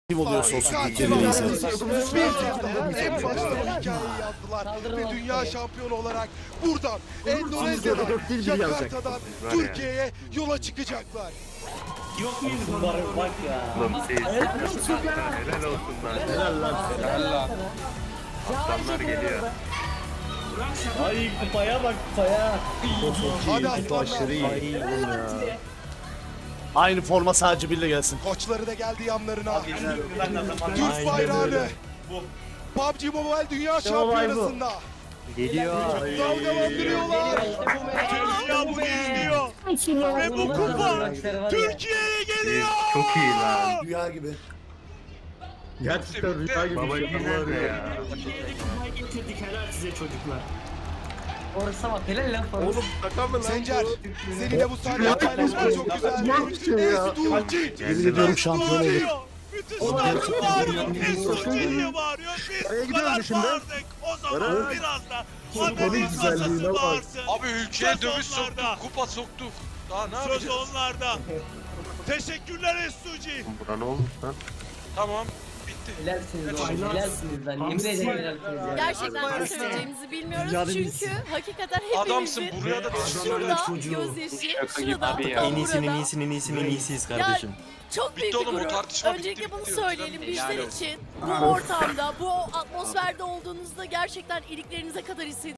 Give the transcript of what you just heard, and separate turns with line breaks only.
Kim oluyorsa olsun Türkiye'de
Bir
neyse.
en başta bu hikayeyi yazdılar ve dünya şampiyonu olarak buradan Endonezya'dan, Jakarta'dan Türkiye'ye yola çıkacaklar.
Yok muyuz bunlar? Bak ya.
Helal olsun lan. Helal lan.
Helal lan.
Aslanlar geliyor.
Ay kupaya bak kupaya.
Hadi aslanlar.
Aynı forma sadece birle gelsin.
Koçları da geldi yanlarına. Türk bayrağını PUBG Mobile Dünya Şampiyonası'nda
Geliyor.
dalgalandırıyorlar.
Ya bu geliyor. Ve bu kupa Türkiye'ye geliyor.
Çok iyi lan.
Rüya gibi.
Gerçekten rüya gibi. Baba güzel ya.
Kupayı getirdik helal size çocuklar.
Orası bak helal lan falan.
Oğlum şaka mı lan?
Sencer, seninle bu sahneyi paylaşmak çok güzel. Estuci.
Yemin ediyorum şampiyon olur.
Bütün stadyum bağırıyor. Türkiye diye bağırıyor. Biz bu kadar bağırdık. O zaman biraz da Haberin masası bağırsın.
Abi ülkeye
Söz
dövüş
onlarda.
soktuk, kupa soktuk. Daha ne
Söz
yapacağız?
onlarda. Teşekkürler Estuci.
Buna ne olmuş lan?
Tamam, bitti.
Helalsiniz oğlum helalsiniz lan. Yemin ederim helalsiniz ya.
Gerçekten ne söyleyeceğimizi bilmiyoruz çünkü hakikaten
Adamsın,
hepimizin
buraya da
şurada gözyaşı, şurada tam burada.
iyisiyiz
kardeşim. Çok büyük
Bitti
bir
oğlum, o
gurur.
tartışma
Öncelikle
bitti,
bunu
bitti.
söyleyelim bizler için. Bu ortamda, bu atmosferde olduğunuzda gerçekten iliklerinize kadar hissediyorsunuz.